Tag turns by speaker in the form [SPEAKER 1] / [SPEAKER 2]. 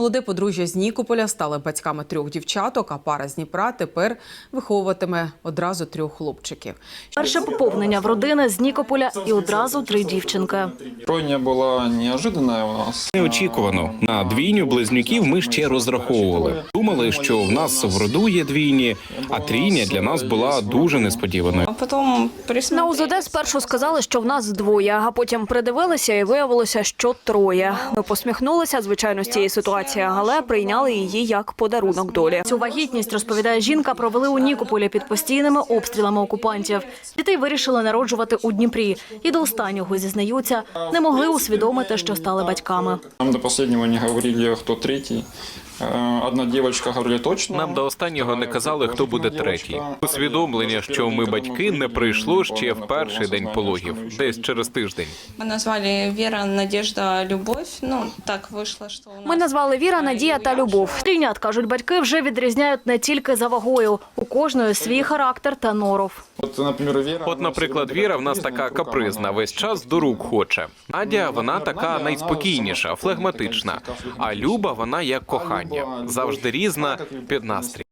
[SPEAKER 1] Молоде подружжя з Нікополя стали батьками 3 дівчаток, а пара з Дніпра тепер виховуватиме одразу 3 хлопчиків.
[SPEAKER 2] Перше поповнення в родини з Нікополя і одразу 3 дівчинки.
[SPEAKER 3] Тройня була неожиданна у нас.
[SPEAKER 4] Неочікувано. На двійню близнюків ми ще розраховували. Думали, що в нас в роду є двійні, а трійня для нас була дуже несподіваною.
[SPEAKER 2] На УЗД спершу сказали, що в нас 2, а потім придивилися і виявилося, що 3. Ми посміхнулися, звичайно, з цієї ситуації, але прийняли її як подарунок долі. Цю вагітність, розповідає жінка, провели у Нікополі під постійними обстрілами окупантів. Дітей вирішили народжувати у Дніпрі. І до останнього, зізнаються, не могли усвідомити, що стали батьками.
[SPEAKER 3] Нам до останнього не говорили, хто третій. Одна дівчинка говорила точно.
[SPEAKER 4] Нам до останнього не казали, хто буде третій. Усвідомлення, що ми батьки, не прийшло ще в перший день пологів, десь через тиждень.
[SPEAKER 5] Ми назвали Віра, Надежда, Любов. Так вийшло, що у нас...
[SPEAKER 2] Ми назвали Віра, Надія та Любов. Трійнят, кажуть батьки, вже відрізняють не тільки за вагою. У кожної свій характер та норов.
[SPEAKER 4] От, наприклад, Віра в нас така капризна, весь час до рук хоче. Надя, вона така найспокійніша, флегматична. А Люба, вона як кохання, завжди різна під настрій.